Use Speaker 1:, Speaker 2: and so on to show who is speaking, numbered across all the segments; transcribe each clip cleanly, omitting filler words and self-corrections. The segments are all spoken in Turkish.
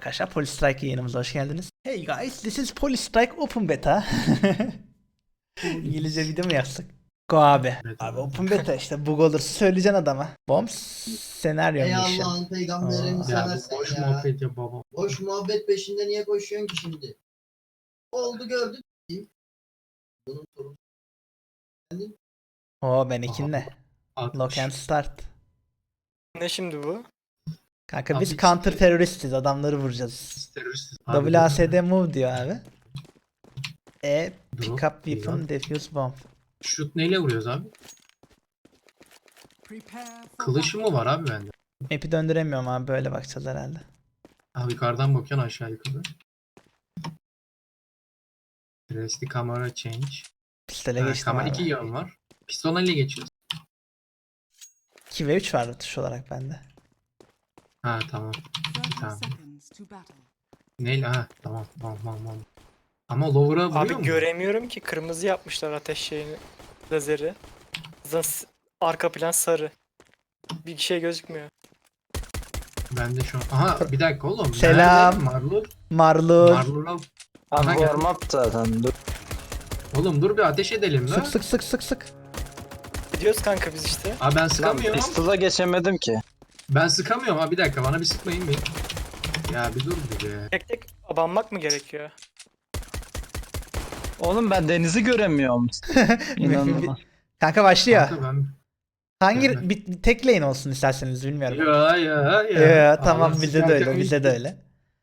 Speaker 1: arkadaşlar, Polistrike yayınımıza hoş geldiniz. Hey guys, this is Polistrike Open Beta. İngilizce video mu yazsak? Go abi.
Speaker 2: Beta.
Speaker 1: Abi Open Beta işte, bug olursa söyleyeceksin adama. Bombs senaryo
Speaker 3: Ey
Speaker 1: mission.
Speaker 3: Allah'ın peygamberini
Speaker 1: Aa.
Speaker 2: Ya bu
Speaker 3: seversen
Speaker 2: boş
Speaker 3: ya.
Speaker 2: muhabbet ya baba.
Speaker 3: Boş muhabbet peşinde niye koşuyorsun ki şimdi? Oldu gördük. Bunun sorunu.
Speaker 1: Oo, ben ikinle. Lock
Speaker 2: 60.
Speaker 1: and start.
Speaker 4: Ne şimdi bu?
Speaker 1: Kanka
Speaker 2: Abi
Speaker 1: biz
Speaker 2: işte-
Speaker 1: counter teröristiz, adamları vuracağız.
Speaker 2: Terörist.
Speaker 1: WASD move diyor abi. Pick
Speaker 2: Drop
Speaker 1: up weapon, defuse bomb.
Speaker 2: Şut neyle vuruyoruz abi? Kılıç mı var abi bende?
Speaker 1: Map'i döndüremiyorum abi, böyle bakacağız herhalde.
Speaker 2: Abi yukarıdan bakıyorsun aşağı yukarı. Resti kamera change.
Speaker 1: Pistole
Speaker 2: Ha,
Speaker 1: geçtim
Speaker 2: kamera
Speaker 1: abi.
Speaker 2: 2 yön var. Piston ile geçiyoruz.
Speaker 1: 2 ve 3 var tuş olarak bende.
Speaker 2: Ha tamam. Tamam. Neyle? Ha tamam. Tamam. Ama lower'a vuruyor
Speaker 4: Abi
Speaker 2: mu?
Speaker 4: göremiyorum ki, kırmızı yapmışlar ateş şeyini. Lazeri. Arka plan sarı. Bir şey gözükmüyor.
Speaker 2: Ben de şu an. Aha bir dakika oğlum.
Speaker 1: Selam.
Speaker 2: Nerede? Marlur.
Speaker 1: Marlur.
Speaker 2: Marlur'a. Aha,
Speaker 5: Abi
Speaker 2: gel.
Speaker 5: warm up zaten dur.
Speaker 2: Oğlum dur bir ateş edelim lan.
Speaker 1: Sık.
Speaker 4: Gidiyoruz kanka biz işte.
Speaker 2: Abi ben
Speaker 5: Lan
Speaker 2: sıkamıyorum.
Speaker 5: pistol'a geçemedim ki.
Speaker 2: Ben sıkamıyorum ha bir dakika bana bir sıkmayın bir. Ya bir dur bir be.
Speaker 4: Tek tek abanmak mı gerekiyor?
Speaker 5: Oğlum ben denizi göremiyorum. İnanılmaz.
Speaker 1: Kanka başlıyor.
Speaker 2: Kanka ben...
Speaker 1: Hangi
Speaker 2: Evet.
Speaker 1: bir tek lane olsun isterseniz, bilmiyorum.
Speaker 2: Ya.
Speaker 1: Tamam,
Speaker 2: Allah
Speaker 1: bizde de öyle,
Speaker 2: sıkıntı
Speaker 1: bizde
Speaker 2: yok.
Speaker 1: de öyle.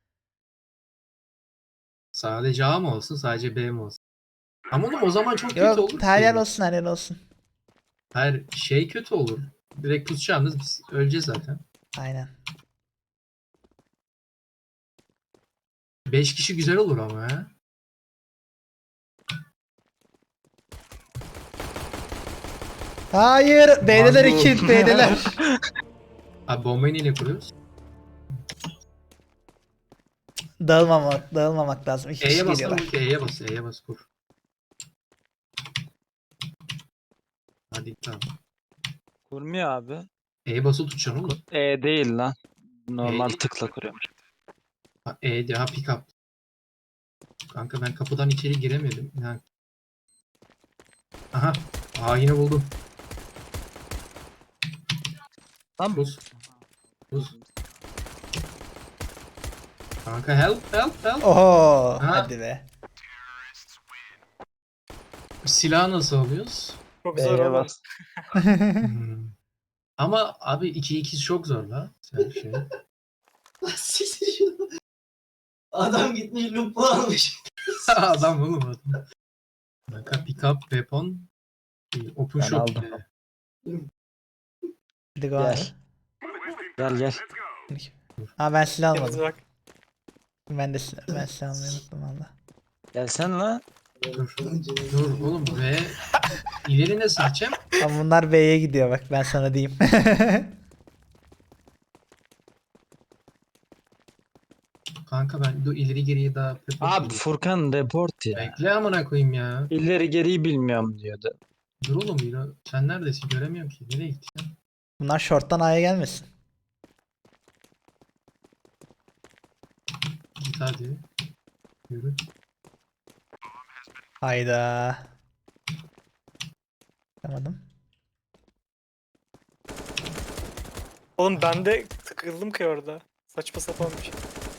Speaker 2: Sadece A mı olsun sadece B mi olsun? Ama oğlum o zaman çok kötü olur
Speaker 1: Yok, her
Speaker 2: ki.
Speaker 1: yer olsun, her yer olsun.
Speaker 2: Her şey kötü olur. Direkt pusacağınız biz öleceğiz zaten.
Speaker 1: Aynen.
Speaker 2: 5 kişi güzel olur ama ya.
Speaker 1: Hayır, B'deler
Speaker 5: Marlur.
Speaker 1: 2, B'deler.
Speaker 2: Abi bombayı neyle kuruyoruz?
Speaker 1: Dağılmamak lazım. 2 kişi
Speaker 2: E'ye bas
Speaker 1: geliyorlar.
Speaker 2: lan, E'ye bas kur. Hadi tamam.
Speaker 5: Kurmuyor abi.
Speaker 2: E'ye basılı tutacaksın oğlum.
Speaker 5: E değil lan. Normal
Speaker 2: değil.
Speaker 5: tıkla kuruyormuş.
Speaker 2: Ha, E'de ha pick up. Kanka ben kapıdan içeri giremedim. Yani. Aha. Aa yine buldum.
Speaker 5: Lan
Speaker 2: Buz. Kanka help.
Speaker 1: Oho,
Speaker 2: Ha.
Speaker 1: hadi be.
Speaker 2: Silahı nasıl alıyoruz?
Speaker 4: Çok zor
Speaker 5: B'ye
Speaker 4: oğlum.
Speaker 5: bas.
Speaker 2: Hmm. Ama abi 2-2 çok zor la. Sen şey.
Speaker 3: Siktir şunu. Adam gitmiş lupu almış.
Speaker 2: Adam oğlum adam. Kanka pick up weapon. Open
Speaker 5: Ben
Speaker 2: shop.
Speaker 5: aldım.
Speaker 1: Hadi go abi.
Speaker 5: Gel.
Speaker 1: Ha, ben silah
Speaker 4: Yalnız
Speaker 1: almadım.
Speaker 4: bak.
Speaker 1: Ben silah almayı unuttum valla.
Speaker 5: Gelsen la.
Speaker 2: Dur oğlum ve ileri ne seçeceğim?
Speaker 1: Ama bunlar B'ye gidiyor bak, ben sana diyeyim.
Speaker 2: Kanka ben dur ileri geriye daha
Speaker 5: Abi Furkan report ya.
Speaker 2: bekle amına koyayım ya.
Speaker 5: İleri geriyi bilmiyorum diyordu.
Speaker 2: Dur oğlum ya. Sen neredesin? Göremiyorum ki. Nereye gittin?
Speaker 1: Bunlar short'tan A'ya gelmesin.
Speaker 2: Git hadi. Yürü.
Speaker 1: Hayda. Yapamadım.
Speaker 4: Oğlum ben de tıkıldım ki orada. Saçma sapan bir şey.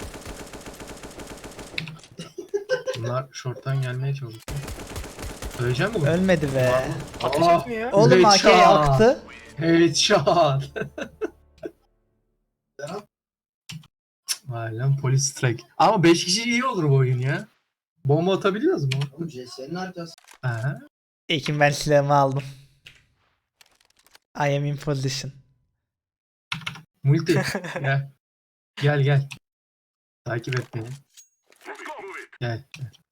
Speaker 2: Bunlar short'tan gelmeye çalışıyor. Söyleyeceğim mi bunu?
Speaker 1: Ölmedi be.
Speaker 4: Ateş
Speaker 2: Aa,
Speaker 4: etmiyor.
Speaker 1: Oğlum AK
Speaker 2: headshot.
Speaker 1: aktı.
Speaker 2: Headshot. Vay lan polis strike. Ama 5 kişi iyi olur bu oyun ya. Bomba atabiliyoruz mu?
Speaker 3: Oğlum CS'nin arkası.
Speaker 2: Aha.
Speaker 1: Ekim, ben silahımı aldım. I am in position.
Speaker 2: Multi. Gel. Gel. Takip et beni. Gel.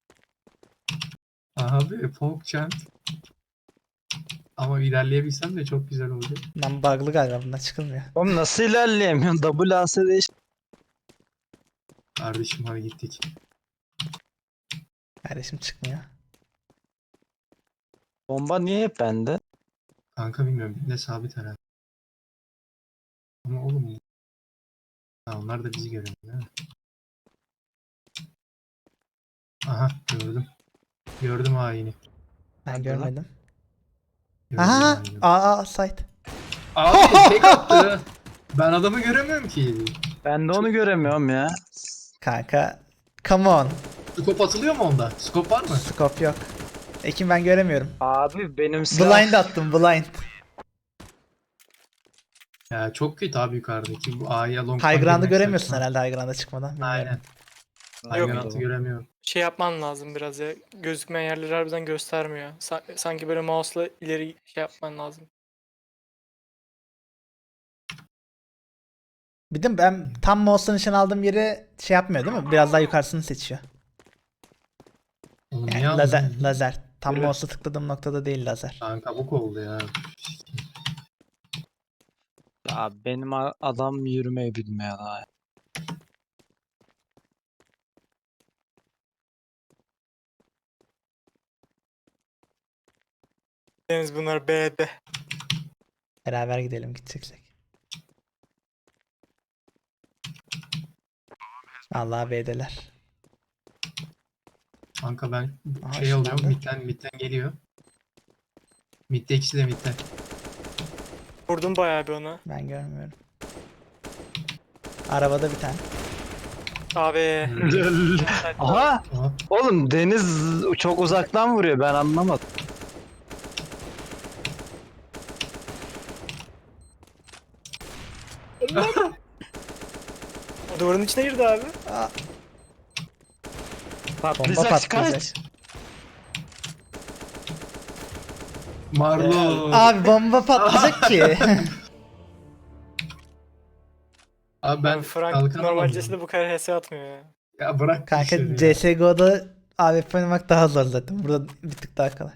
Speaker 2: Abi Pog Chant. Ama ilerleyebilsem de çok güzel olacak.
Speaker 1: Lan bug'lı galiba, bundan çıkılmıyor.
Speaker 5: Oğlum nasıl ilerleyemiyorsun? WASD işte.
Speaker 2: Kardeşim hadi gittik.
Speaker 1: Kardeşim çıkmıyor.
Speaker 5: Bomba niye hep bende?
Speaker 2: Kanka bilmiyorum. Ne sabit herhalde. Ama oğlum. Ha, onlar da bizi görüyor değil mi? Aha gördüm. Gördüm haini.
Speaker 1: Ben
Speaker 5: Nerede lan?
Speaker 1: görmedim.
Speaker 2: Gördüm
Speaker 1: Aha!
Speaker 2: haini.
Speaker 1: Aa site.
Speaker 2: Abi tek attı. Ben adamı göremiyorum ki.
Speaker 5: Ben de onu göremiyorum ya.
Speaker 1: Kanka. Come on.
Speaker 2: Skop atılıyor mu onda? Skop var mı?
Speaker 1: Scope yok. Ekin ben göremiyorum.
Speaker 5: Abi benim silah...
Speaker 1: Blind attım blind.
Speaker 2: Ya çok kötü abi yukarıdaki bu A'ya long.
Speaker 1: High ground'ı göremiyorsun herhalde high ground'a çıkmadan. Bilmiyorum.
Speaker 2: Aynen. High
Speaker 4: Yok.
Speaker 2: ground'ı göremiyorum.
Speaker 4: Şey yapman lazım biraz ya. Gözükmeyen yerleri harbiden göstermiyor. Sanki böyle mouse'la ileri şey yapman lazım.
Speaker 1: Bir de ben tam mouse'un için aldığım yeri şey yapmıyor değil mi? Biraz daha yukarısını seçiyor.
Speaker 2: Oğlum
Speaker 1: Yani
Speaker 2: niye
Speaker 1: lazer,
Speaker 2: aldın?
Speaker 1: lazer. Tam
Speaker 2: Evet.
Speaker 1: mouse'u tıkladığım noktada değil lazer.
Speaker 2: Lan kabuk oldu ya.
Speaker 5: Ya benim adam yürümeyi bilmiyor daha.
Speaker 4: Deniz bunlar B'de.
Speaker 1: Beraber gidelim gideceksek. Allah B'deler.
Speaker 2: Kanka ben
Speaker 1: Aha,
Speaker 2: şey alıyorum.
Speaker 1: ışınlandı.
Speaker 2: Mid'den geliyor. Mid'de ikisi de mid'de.
Speaker 4: Vurdum bayağı bir ona.
Speaker 1: Ben görmüyorum. Arabada bir tane.
Speaker 4: Abi.
Speaker 5: Aha!
Speaker 2: Aha.
Speaker 5: Oğlum Deniz çok uzaktan vuruyor, ben anlamadım.
Speaker 4: Duvarın içine girdi abi.
Speaker 1: Aa, bomba
Speaker 5: Patlayacak, kaç.
Speaker 1: patlayacak.
Speaker 2: Marlo.
Speaker 1: Abi bomba patlayacak ki.
Speaker 2: Abi ben
Speaker 4: Frank
Speaker 2: kalkan
Speaker 4: normal
Speaker 2: alamıyorum.
Speaker 4: CS'de bu kadar HS atmıyor ya.
Speaker 2: Ya bırak
Speaker 1: Kanka
Speaker 2: işleri ya.
Speaker 1: CSGO'da AWP oynamak daha zor zaten. Burada bir tık daha kolay.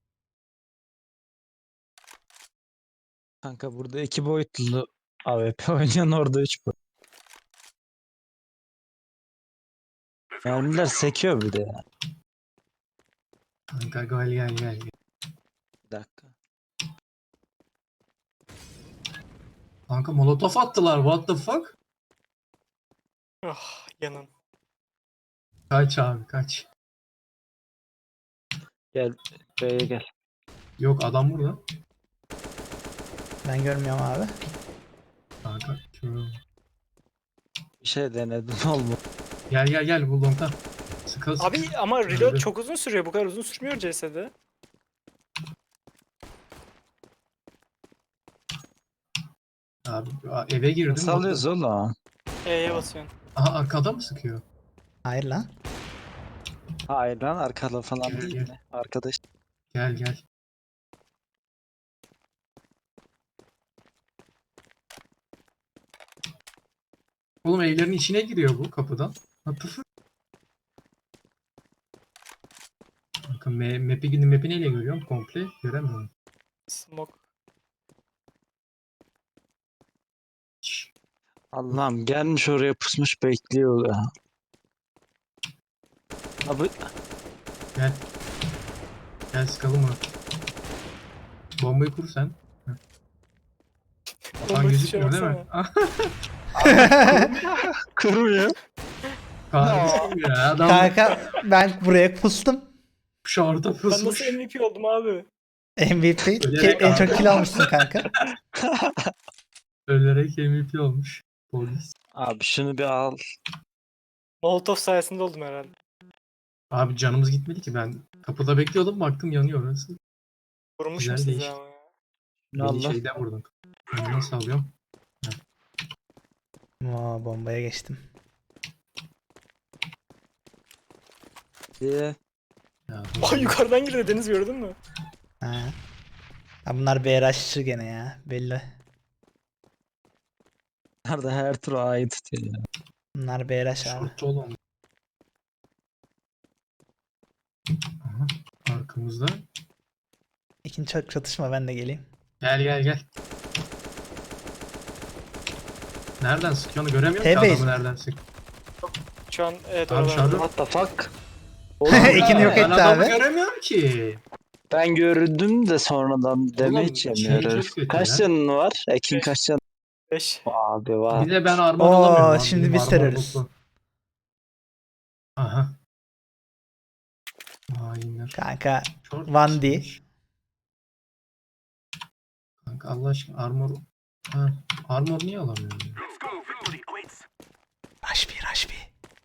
Speaker 5: Kanka burada 2 boyutlu AWP oynayan, orada 3 boyutlu. Mermiler sekiyor bir de ya.
Speaker 2: Kanka gel.
Speaker 5: Bir dakika.
Speaker 2: Kanka molotof attılar. What the fuck?
Speaker 4: Ah yanın.
Speaker 2: Kaç abi kaç.
Speaker 5: Gel B'ye gel.
Speaker 2: Yok adam burada.
Speaker 1: Ben görmüyorum abi.
Speaker 2: Kanka.
Speaker 5: Bir şey denedim olmadı.
Speaker 2: Gel bu long'dan. Sıkıl.
Speaker 4: Abi ama reload
Speaker 2: Öldü.
Speaker 4: çok uzun sürüyor. Bu kadar uzun sürmüyor CS'de.
Speaker 2: Abi eve girdim.
Speaker 5: Nasıl alıyoruz oğlum?
Speaker 4: E'ye basıyorsun.
Speaker 2: Aha arkada mı sıkıyor?
Speaker 1: Hayır lan.
Speaker 5: Hayır lan, arkada falan
Speaker 2: Gel,
Speaker 5: değil
Speaker 2: gel.
Speaker 5: mi? Arkadaş.
Speaker 2: Gel. Oğlum evlerin içine giriyor bu kapıdan. What the fuck? Bakın map'i neyle görüyorum? Komple göremiyorum.
Speaker 4: Smoke.
Speaker 2: Şşş.
Speaker 5: Allah'ım, gelmiş oraya pusmuş bekliyor ya. Abi
Speaker 2: Gel sıkalım onu. Bombayı kur sen. Heh. Atan
Speaker 4: Bombayı
Speaker 2: gözükmüyor değil mi?
Speaker 5: kırmıyor.
Speaker 2: Kahretsin ya. Adam
Speaker 1: Kanka ben buraya pustum.
Speaker 2: şorta
Speaker 4: Ben
Speaker 2: pusmuş.
Speaker 4: nasıl MVP oldum abi?
Speaker 1: MVP.
Speaker 2: Ölerek
Speaker 1: En çok
Speaker 2: abi.
Speaker 1: kill almışsın kanka.
Speaker 2: Ölerek MVP olmuş. Polis.
Speaker 5: Abi şunu bir al.
Speaker 4: Molotov sayesinde oldum herhalde.
Speaker 2: Abi canımız gitmedi ki ben. Kapıda bekliyordum baktım yanıyor orası.
Speaker 4: Vurmuşum
Speaker 2: Güzel
Speaker 4: sizi
Speaker 2: değişti.
Speaker 4: ama ya.
Speaker 5: Şunu
Speaker 2: Beni
Speaker 5: al lan.
Speaker 2: şeyden vurdun. Ben nasıl alıyorum?
Speaker 1: Oo, bombaya geçtim.
Speaker 5: Diye.
Speaker 2: Ya,
Speaker 4: Ay yukarıdan girdi Deniz, gördün mü?
Speaker 1: Ha. Ha, bunlar BRH'çı gene ya. Belli.
Speaker 5: Nerede her tur A'yı tutuyor ya.
Speaker 1: Bunlar BRH abi.
Speaker 2: Şort oğlum. Aha, arkamızda.
Speaker 1: İkinci çok çatışma, ben de geleyim.
Speaker 2: Gel. Nereden sıkıyor onu göremiyorum ki
Speaker 1: T-base
Speaker 2: adamı
Speaker 1: mi?
Speaker 2: nereden sık.
Speaker 4: Şu an evet
Speaker 2: Abi
Speaker 4: oralarda.
Speaker 2: şurada-
Speaker 5: What the fuck?
Speaker 1: İkini yok
Speaker 2: Ben
Speaker 1: etti
Speaker 2: adamı
Speaker 1: abi.
Speaker 2: göremiyorum ki.
Speaker 5: Ben gördüm de sonradan damage
Speaker 2: şey
Speaker 5: yemiyoruz.
Speaker 2: çok kötü
Speaker 5: Kaç
Speaker 2: ya.
Speaker 5: canın var? Ekin kaç canın?
Speaker 4: 5.
Speaker 5: Abi var.
Speaker 2: Bir de ben armor
Speaker 1: Oo,
Speaker 2: alamıyorum abi.
Speaker 1: şimdi
Speaker 2: Benim
Speaker 1: biz
Speaker 2: armor
Speaker 1: terörist.
Speaker 2: bozdu. Aha. Hainler.
Speaker 1: Kanka
Speaker 2: Short
Speaker 1: Van D.
Speaker 2: çıkmış. Kanka Allah aşkına armor. Ha, armor niye alamıyorum? Ya?
Speaker 1: Rush B, Rush B.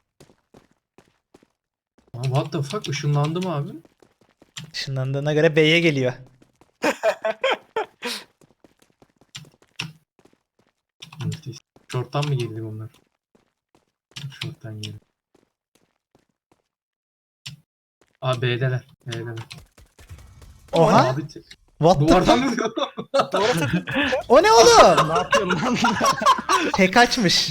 Speaker 2: Aa, what the fuck, ışınlandım abi.
Speaker 1: Işınlandığına göre B'ye geliyor.
Speaker 2: Müthiş. Short'tan mı geldi bunlar? Short'tan geldi. Aa, B'deler. B'deler.
Speaker 1: Oha.
Speaker 2: Abi,
Speaker 1: What the
Speaker 2: duvardan
Speaker 1: fuck?
Speaker 2: vuruyor.
Speaker 1: O ne oğlum?
Speaker 5: Ne yapıyorsun lan?
Speaker 1: Tek açmış.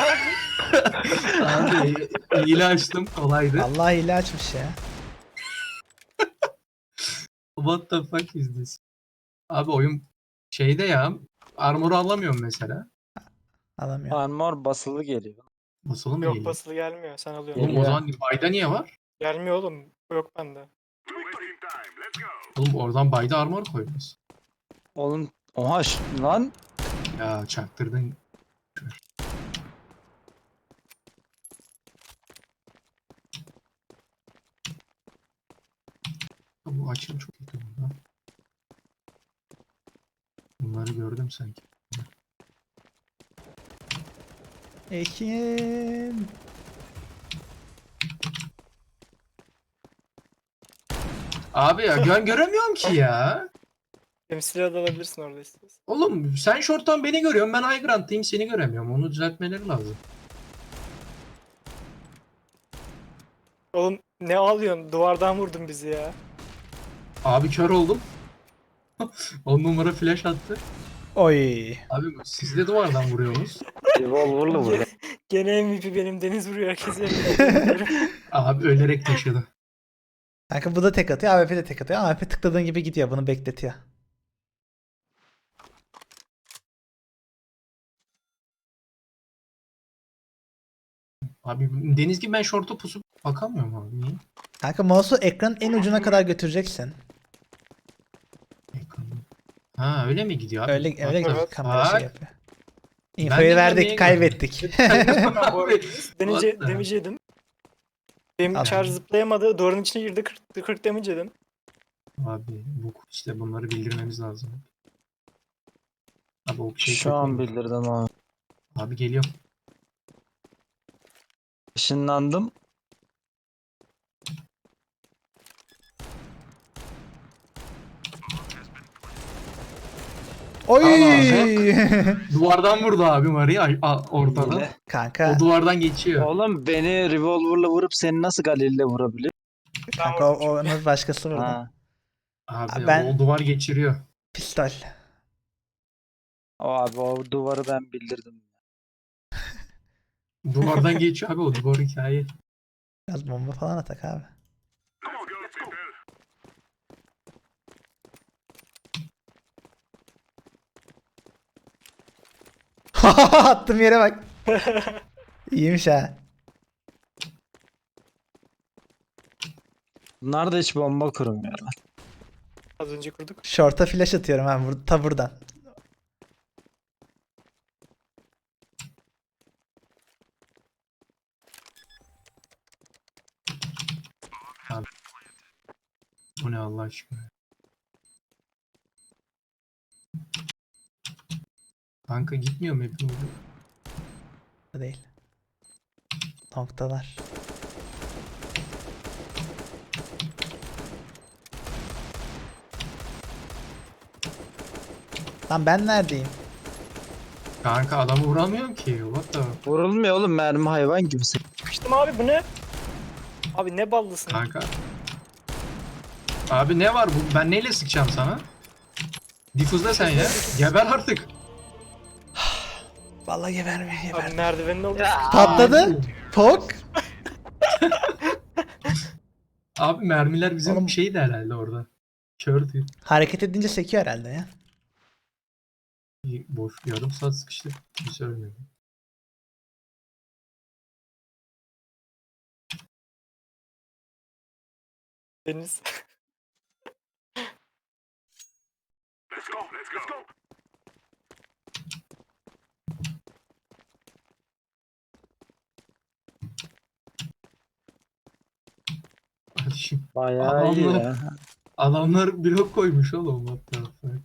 Speaker 2: Abi hile açtım, kolaydı.
Speaker 1: Allah hile açmış ya.
Speaker 2: What the fuck is this? Abi oyun şeyde ya, armor'u alamıyorum mesela.
Speaker 1: Alamıyor.
Speaker 5: Armor basılı geliyor.
Speaker 2: Basılı mı
Speaker 4: Yok
Speaker 2: geliyor?
Speaker 4: basılı gelmiyor. Sen alıyorsun.
Speaker 2: Oğlum o zaman bayda niye var?
Speaker 4: Gelmiyor oğlum. Yok bende.
Speaker 2: Oğlum oradan bayda armor koymuş.
Speaker 5: Oğlum oha lan.
Speaker 2: Ya çaktırdın. Bu açım çok kötü burada. Bunları gördüm sanki.
Speaker 1: Ekin.
Speaker 2: Abi ya göremiyorum ki ya.
Speaker 4: Temsil de alabilirsin orada istiyorsan.
Speaker 2: Oğlum sen short'tan beni görüyorsun, ben high ground'tayım, seni göremiyorum. Onu düzeltmeleri lazım.
Speaker 4: Oğlum ne ağlıyorsun? Duvardan vurdun bizi ya.
Speaker 2: Abi kör oldum. 10 numara flash attı.
Speaker 1: Oy.
Speaker 2: Abi siz de duvardan vuruyorsunuz.
Speaker 5: Revolver'la vurdu.
Speaker 4: Gene MVP benim. Deniz vuruyor herkese. MVP.
Speaker 2: Abi ölerek taşıdı.
Speaker 1: Kanka bu da tek atıyor. AWP de tek atıyor. AWP tıkladığın gibi gidiyor. Bunu bekletiyor.
Speaker 2: Abi Deniz gibi ben short'a pusup bakamıyorum abi. Niye?
Speaker 1: Kanka mouse'u ekranın en ucuna kadar götüreceksin.
Speaker 2: Ha öyle mi gidiyor abi?
Speaker 1: Öyle öyle
Speaker 2: Bak,
Speaker 1: gibi
Speaker 2: bak.
Speaker 1: kamera şey
Speaker 2: Bak.
Speaker 1: yapıyor.
Speaker 2: Ben
Speaker 1: Infoyu
Speaker 2: de
Speaker 1: verdik,
Speaker 2: niye
Speaker 1: kaybettik.
Speaker 4: Ben bu arada
Speaker 2: Abi,
Speaker 4: damage
Speaker 2: what the-
Speaker 4: damage yedim. Benim
Speaker 1: Al.
Speaker 4: charge zıplayamadı. Duvarın içine girdi. 40 damage yedim.
Speaker 2: Abi bu işte bunları bildirmemiz lazım. Abi o şey
Speaker 5: Şu an
Speaker 2: çok iyi.
Speaker 5: bildirdim abi.
Speaker 2: Abi geliyor.
Speaker 5: Işınlandım.
Speaker 1: Oy!
Speaker 2: Duvardan vurdu abi Mari'yi ortadan.
Speaker 5: Hile.
Speaker 1: Kanka,
Speaker 2: O duvardan geçiyor.
Speaker 5: Oğlum beni revolver'la vurup seni nasıl Galil'le vurabilir?
Speaker 1: kanka onu başkası vurdu.
Speaker 5: Ha.
Speaker 2: Abi
Speaker 1: Ben-
Speaker 2: o duvar geçiriyor.
Speaker 1: Pistol.
Speaker 5: O abi o duvarı ben bildirdim.
Speaker 2: Duvardan geçiyor abi, o duvar hikaye.
Speaker 1: Biraz bomba falan atak abi. Attım yere bak. İyiymiş ha.
Speaker 5: Bunlar da hiç bomba kurmuyor.
Speaker 4: Az önce kurduk.
Speaker 1: Short'a flash atıyorum ben ta buradan.
Speaker 2: Bu ne Allah aşkına. Kanka gitmiyor mu hepimiz?
Speaker 1: Değil. Noktalar. Lan ben neredeyim?
Speaker 2: Kanka adamı vuramıyorum ki. What the?
Speaker 5: Vurulmuyor oğlum, mermi hayvan gibi.
Speaker 4: Sıkıştım abi, bu ne? Abi ne ballısın?
Speaker 2: Kanka. Abi ne var bu? Ben neyle sıkacağım sana? Difuzla sen ya. Geber artık.
Speaker 1: Vallahi geberme
Speaker 4: Abi
Speaker 1: geberme.
Speaker 4: merdivenin oldu.
Speaker 1: Patladı. Pok.
Speaker 2: Abi mermiler bizim
Speaker 1: Oğlum-
Speaker 2: şeydi herhalde orada. Kördü.
Speaker 1: Hareket edince sekiyor herhalde ya.
Speaker 2: Boş yarım saat sıkıştı. Kimse ölmedi.
Speaker 4: Deniz.
Speaker 2: Hadi.
Speaker 5: Bayağı iyi
Speaker 2: Adamlar,
Speaker 5: ya.
Speaker 2: adamlar blok koymuş oğlum. What the fuck.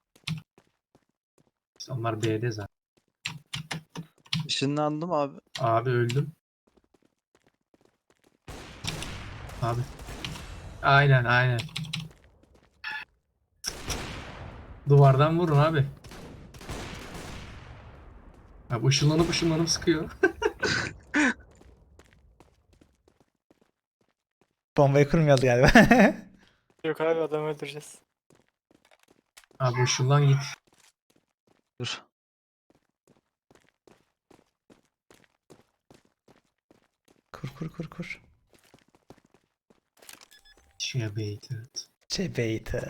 Speaker 2: Onlar B'de zaten.
Speaker 5: Işınlandım abi.
Speaker 2: Abi öldüm. Abi. Aynen aynen. Duvardan vurun abi. Abi ışınlanıp sıkıyor.
Speaker 1: Bombayı kurmuyoruz galiba.
Speaker 4: Yok abi adamı öldüreceğiz.
Speaker 2: Abi ışınlan git.
Speaker 5: Dur.
Speaker 1: Kur kur kur kur.
Speaker 2: Şeye baited.
Speaker 1: Cebeyte.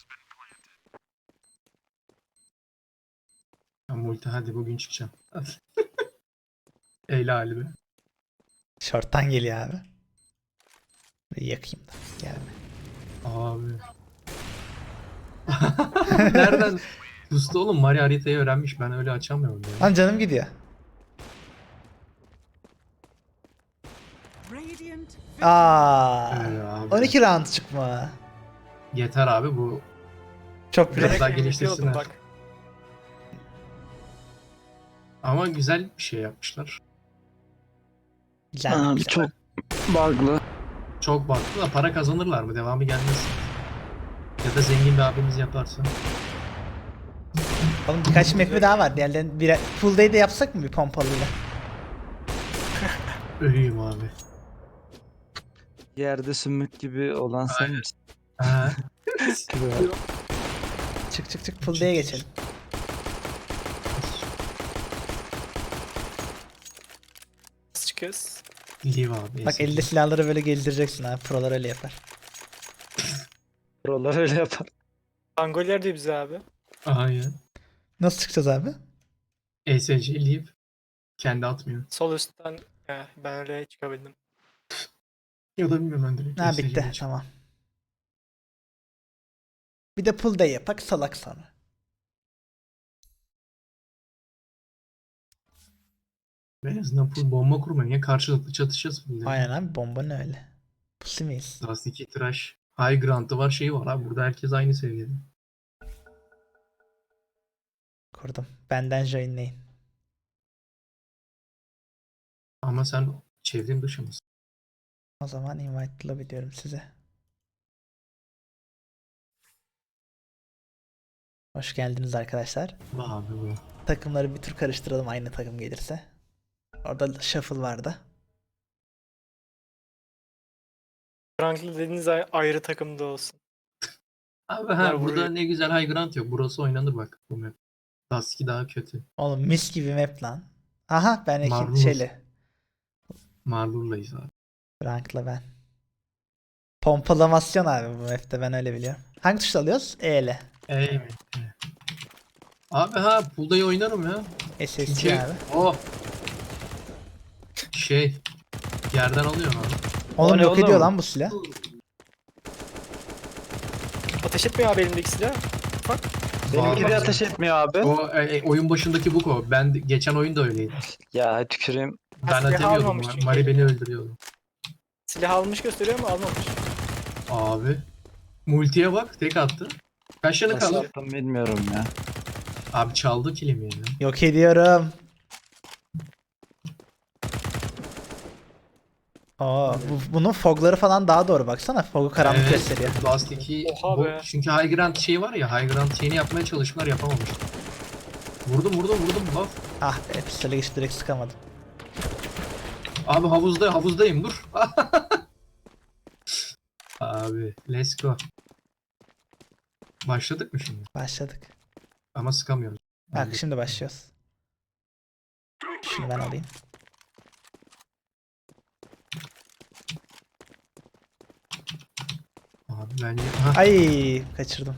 Speaker 2: Ben multi hadi bugün çıkacağım. Eyle halimi.
Speaker 1: Short'tan geliyor abi. Bir yakayım da. Gelme.
Speaker 2: Abi. Nereden? Usta oğlum Mario haritayı öğrenmiş. Ben öyle açamıyorum ya.
Speaker 1: Lan canım gidiyor. Aa.
Speaker 2: Abi.
Speaker 1: 12 round çıkma.
Speaker 2: Yeter abi bu.
Speaker 1: Çok
Speaker 2: Biraz
Speaker 1: bile.
Speaker 2: daha
Speaker 4: MVP
Speaker 2: geliştirsinler.
Speaker 4: oldum bak.
Speaker 2: Ama güzel bir şey yapmışlar.
Speaker 1: Güzel.
Speaker 5: Abi çok bug'lı.
Speaker 2: Çok baktı da para kazanırlar mı? Devamı gelmez. Ya da zengin bir abimiz yaparsa.
Speaker 1: Oğlum birkaç map daha var. Diğerlerini bir full day de yapsak mı bir pompalıyla?
Speaker 2: Ölüyüm abi.
Speaker 5: Yerde sümük gibi olan sen misin?
Speaker 2: Ha.
Speaker 1: Çık çık çık full day'e geçelim.
Speaker 4: Nasıl çıkıyoruz?
Speaker 2: Live abi.
Speaker 1: Bak elde silahları böyle gezdireceksin abi. Prolar öyle yapar.
Speaker 5: Prolar öyle yapar.
Speaker 4: Angoller de bize abi.
Speaker 2: Aynen.
Speaker 1: Nasıl çıkacağız abi?
Speaker 2: ESC live. Kendi atmıyor.
Speaker 4: Sol üstten ben öyle çıkabildim.
Speaker 2: Ya da bilmiyorum ben direkt.
Speaker 1: Ha
Speaker 2: ESC 'ye
Speaker 1: bitti.
Speaker 2: çık-
Speaker 1: Tamam. Bir de full day yapak salak sana.
Speaker 2: En azından full bomba kurmayın ya. Karşılıklı çatışacağız full.
Speaker 1: Aynen abi bomba ne öyle? Pussy miyiz?
Speaker 2: Dust 2 trash. High ground'ı var şeyi var abi. Burada herkes aynı seviyede.
Speaker 1: Kurdum. Benden joinleyin.
Speaker 2: Ama sen çevrim dışı mısın?
Speaker 1: O zaman invite lobby diyorum size. Hoş geldiniz arkadaşlar.
Speaker 2: Vay abi bu.
Speaker 1: Takımları bir tur karıştıralım aynı takım gelirse. Orada shuffle vardı.
Speaker 4: Franklin dediğiniz ayrı takımda olsun.
Speaker 2: Abi
Speaker 4: Bunlar
Speaker 2: burada
Speaker 4: vuruyor.
Speaker 2: ne güzel high ground yok. Burası oynanır bak bu map. Dust 2 daha kötü.
Speaker 1: Oğlum mis gibi map lan. Aha ben
Speaker 2: Marvelous.
Speaker 1: şeyle.
Speaker 2: Marlur'layız abi.
Speaker 1: Rankla ben. Pompalamasyon abi bu map'te ben öyle biliyorum. Hangi tuşla alıyoruz? E ile.
Speaker 2: Ey. Abi pool'dayı oynarım ya.
Speaker 1: SSC
Speaker 2: Çünkü
Speaker 1: abi.
Speaker 2: o şey yerden alıyor abi.
Speaker 1: Oğlum
Speaker 5: ne
Speaker 1: yok
Speaker 5: oğlum?
Speaker 1: ediyor lan bu silah.
Speaker 4: Ateş etmiyor abi elimdeki silah. Bak.
Speaker 5: Benimki de
Speaker 2: Vallahi.
Speaker 5: ateş etmiyor abi.
Speaker 2: O oyun başındaki bu o. Ben geçen oyun da öyleydi.
Speaker 5: Ya tüküreyim.
Speaker 2: Ben
Speaker 4: Silah
Speaker 2: atamıyordum.
Speaker 4: almamış çünkü.
Speaker 2: Mari beni öldürüyordu.
Speaker 4: Silah almış gösteriyor ama almamış.
Speaker 2: Abi. Multiye bak tek attı. Kaç tane
Speaker 5: Nasıl
Speaker 2: kaldı?
Speaker 5: yaptım bilmiyorum ya.
Speaker 2: Abi çaldı kilimi ya.
Speaker 1: Yok ediyorum. Bunun fogları falan daha doğru baksana. Fog'u karanlık gösteriyor.
Speaker 2: Last 2
Speaker 4: Oha
Speaker 2: bu,
Speaker 4: be.
Speaker 2: çünkü High Ground şey var ya, High Ground şeyini yapmaya çalıştılar, yapamamışlar. Vurdum laf.
Speaker 1: Ah be pistole geçip direkt sıkamadım.
Speaker 2: Abi havuzdayım dur. Abi let's go. Başladık mı şimdi?
Speaker 1: Başladık.
Speaker 2: Ama sıkamıyoruz.
Speaker 1: Bak şimdi başlıyoruz. Şunu ben alayım.
Speaker 2: Abi bence... Ha,
Speaker 1: Ay kaçırdım.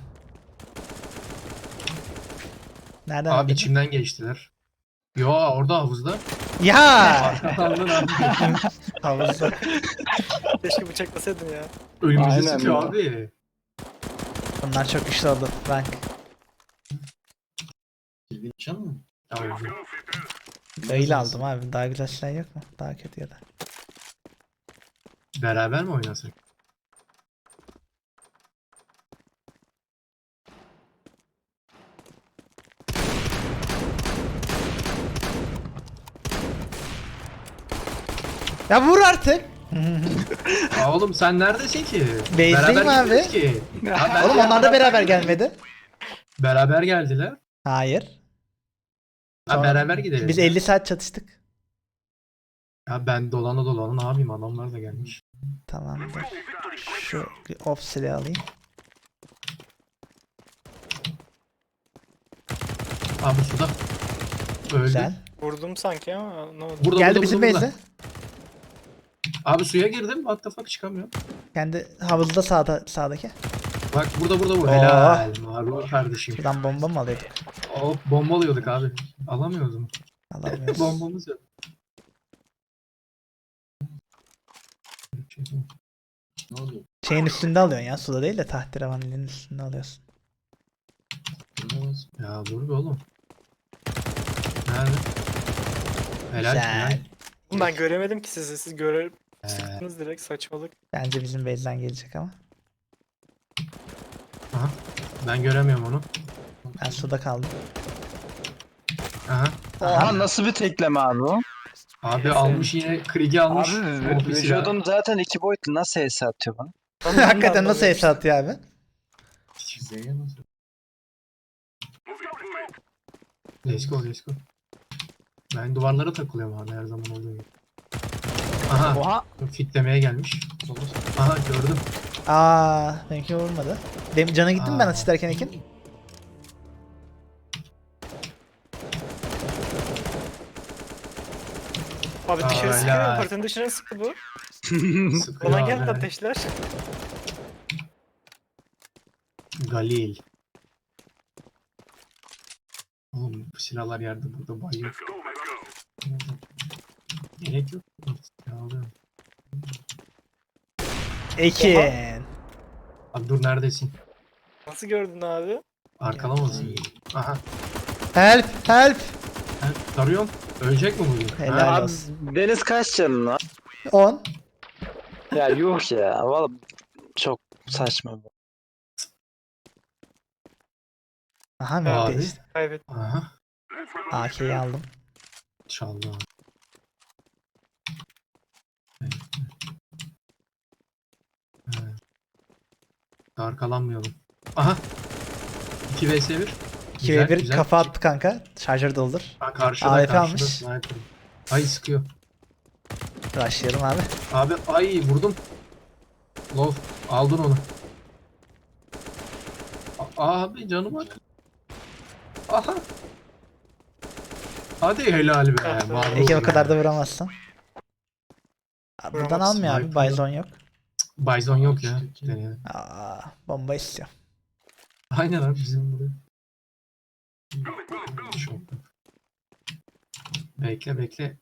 Speaker 1: Nereden
Speaker 2: abi
Speaker 1: aldın?
Speaker 2: içimden geçtiler. Yo orada havuzda.
Speaker 1: Ya!
Speaker 2: Aldın abi.
Speaker 1: Havuzda.
Speaker 4: Keşke bıçaklasaydın ya.
Speaker 2: Önümüzü
Speaker 5: Aynen
Speaker 2: sıkıyor
Speaker 5: ya.
Speaker 2: abi.
Speaker 1: Bunlar çok güçlü oldu. Rank.
Speaker 3: Kilvin çal mı?
Speaker 2: Abi.
Speaker 1: Böyle aldım abi. Daha güzel silah yok mu? Daha kötü ya da.
Speaker 2: Beraber mi oynasak?
Speaker 1: Ya vur artık.
Speaker 2: Aa, oğlum sen neredesin ki?
Speaker 1: Base'deyim
Speaker 2: Beraber
Speaker 1: abi.
Speaker 2: gitmedik ki. Ha, ben
Speaker 1: Oğlum onlar da beraber gelmedi.
Speaker 2: Beraber geldiler.
Speaker 1: Hayır.
Speaker 2: Ha,
Speaker 1: Sonra-
Speaker 2: beraber gidelim.
Speaker 1: Biz 50 saat çatıştık.
Speaker 2: Ya ben dolana ne yapayım, adamlar da gelmiş.
Speaker 1: Tamamdır. Şu off silahı alayım.
Speaker 2: Abi suda. Öldü.
Speaker 1: Güzel.
Speaker 4: Vurdum sanki ama ne oldu?
Speaker 2: Burada,
Speaker 1: Geldi
Speaker 2: burada,
Speaker 1: bizim
Speaker 2: burada,
Speaker 1: base'e.
Speaker 2: Abi suya girdim. What the fuck, çıkamıyorum.
Speaker 1: Kendi havuzda sağdaki.
Speaker 2: Bak burada bu.
Speaker 1: Oo.
Speaker 2: Helal. Abi kardeşim.
Speaker 1: Şuradan bomba mı alıyorduk?
Speaker 2: Hop, bomba alıyorduk abi. Alamıyoruz mu?
Speaker 1: Alamıyoruz.
Speaker 2: Bombamız yok.
Speaker 3: Ne oluyor?
Speaker 1: Şeyin üstünde alıyorsun ya. Suda değil de tahterevanın üstünde alıyorsun.
Speaker 2: Ya dur be oğlum. Nerede? Helal.
Speaker 1: Güzel.
Speaker 2: Helal.
Speaker 4: Ben göremedim ki sizi. Siz görer
Speaker 2: Ee,
Speaker 4: sıktınız direkt, saçmalık.
Speaker 1: Bence bizim base'den gelecek ama.
Speaker 2: aha. Ben göremiyorum onu.
Speaker 1: Ben suda kaldım.
Speaker 2: Aha.
Speaker 5: Oha nasıl bir tekleme abi o?
Speaker 2: Abi almış yine Krieg'i almış.
Speaker 5: Abi
Speaker 2: Ofis ya.
Speaker 5: vücudum zaten 2 boyutlu, nasıl HS atıyor bana?
Speaker 1: Hakikaten nasıl hesa atıyor abi?
Speaker 3: Z'ye nasıl?
Speaker 2: Let's go. Ben duvarlara takılıyorum abi, her zaman olduğu gibi. Aha.
Speaker 5: Oha.
Speaker 2: Fitlemeye gelmiş. Aha, gördüm.
Speaker 1: Aa, benimki vurmadı. Benim cana gittim ben
Speaker 2: Aa.
Speaker 1: atış derken Ekin.
Speaker 4: Abi dışarı
Speaker 2: Hala.
Speaker 4: sıkıyor. Apartın dışına sıktı bu.
Speaker 2: Sıkıyor
Speaker 4: Ona
Speaker 2: abi.
Speaker 4: geldi ateşler.
Speaker 2: Galil. Oğlum bu silahlar yerde, burada bayıyor. Gerek yok. Ya alıyorum.
Speaker 1: Ekin.
Speaker 2: Abi dur, neredesin?
Speaker 4: Nasıl gördün abi?
Speaker 2: Arkalamasın. Aha.
Speaker 1: Help, help.
Speaker 2: Ben tarıyorum. Ölecek mi bugün?
Speaker 1: Helal
Speaker 2: Ha?
Speaker 5: Abi
Speaker 1: olsun.
Speaker 5: Deniz kaç canın var?
Speaker 1: 10.
Speaker 5: Ya yuh ya. Valla çok saçma bu.
Speaker 1: Aha
Speaker 2: Abi.
Speaker 1: map değişti.
Speaker 4: Kaybettim.
Speaker 2: Aha.
Speaker 1: AK'yi aldım.
Speaker 2: Çaldı abi. Evet. Evet. Arkalanmayalım. Aha. 2 vs 1.
Speaker 1: 2v1 kafa attı kanka. Şarjör doldur.
Speaker 2: Ha, karşıda
Speaker 1: AWP
Speaker 2: karşıda
Speaker 1: almış.
Speaker 2: sniper. Ay sıkıyor.
Speaker 1: Rushlayalım abi.
Speaker 2: Abi ay vurdum. Love aldın onu. Abi canım bak. Aha. Hadi helal be.
Speaker 4: Ah be.
Speaker 2: Marul
Speaker 1: Ekin o
Speaker 2: be.
Speaker 1: kadar da vuramazsın. Abi buradan
Speaker 4: Vuramazsın,
Speaker 1: almıyor abi.
Speaker 2: sniper.
Speaker 1: Bison yok.
Speaker 2: Bison yok ya. Deneyelim.
Speaker 1: Aa, bomba istiyor.
Speaker 2: Aynen abi, bizim buraya. Çok. Bekle.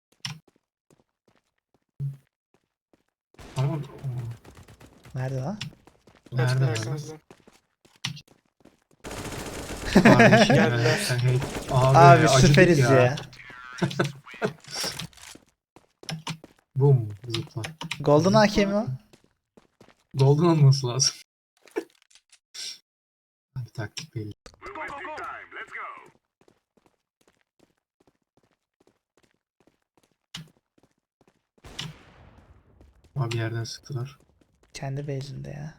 Speaker 2: Tamam.
Speaker 1: Nerede lan?
Speaker 2: Nerede
Speaker 4: Kaçın
Speaker 2: lan?
Speaker 4: arkanızdan.
Speaker 2: Kardeşim ya,
Speaker 4: Geldiler.
Speaker 2: sen Abi,
Speaker 1: Abi
Speaker 2: acıdık
Speaker 1: süperiz ya.
Speaker 2: Bum, zıpla.
Speaker 1: Golden AK mi o?
Speaker 2: Golden olması lazım. Abi taktik belli. Abi yerden sıktılar.
Speaker 1: Kendi base'inde ya.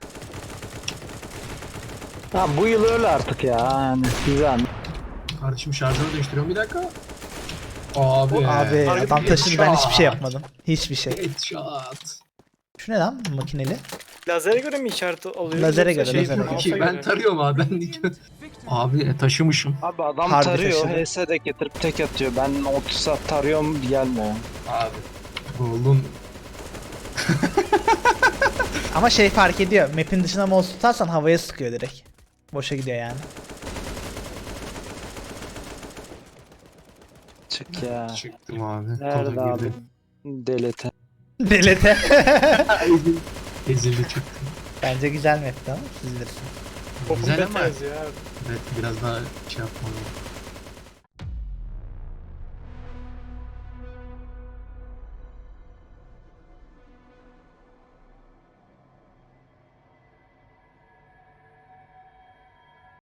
Speaker 5: Ya bu yıl öyle artık ya. Yani güzel.
Speaker 2: Kardeşim şarjörü değiştiriyorum, bir dakika. Abi.
Speaker 1: Abi
Speaker 4: Harbi
Speaker 1: adam taşıdı, ben hiçbir şey
Speaker 2: headshot.
Speaker 1: yapmadım. Hiçbir şey.
Speaker 2: Headshot.
Speaker 1: Şu ne lan makineli?
Speaker 4: Lazere göre mi işaret alıyor?
Speaker 1: Lazere
Speaker 4: yoksa
Speaker 1: göre,
Speaker 4: şey,
Speaker 1: lazere göre.
Speaker 4: mouse'a
Speaker 2: Ki ben
Speaker 4: göre?
Speaker 2: tarıyorum abi, ben diyorum. Abi taşımışım.
Speaker 5: Abi adam
Speaker 1: Harbi
Speaker 5: tarıyor.
Speaker 1: taşıdı.
Speaker 5: HS de getirip tek atıyor. Ben 30 saat tarıyorum gelmiyor.
Speaker 2: Abi. Golden.
Speaker 1: Ama şey fark ediyor. Map'in dışına mouse tutarsan havaya sıkıyor direkt. Boşa gidiyor yani.
Speaker 5: Çık ya.
Speaker 2: Çıktım abi.
Speaker 5: Nerede
Speaker 2: Kola
Speaker 5: abi?
Speaker 2: girdim.
Speaker 5: Delete.
Speaker 1: Delete.
Speaker 2: Ezildi çıktı.
Speaker 1: Bence güzel map'ti ama siz bilirsiniz.
Speaker 4: Open
Speaker 2: Güzel
Speaker 4: beta
Speaker 2: ama
Speaker 4: yazıyor abi.
Speaker 2: evet, biraz daha şey yapmalı.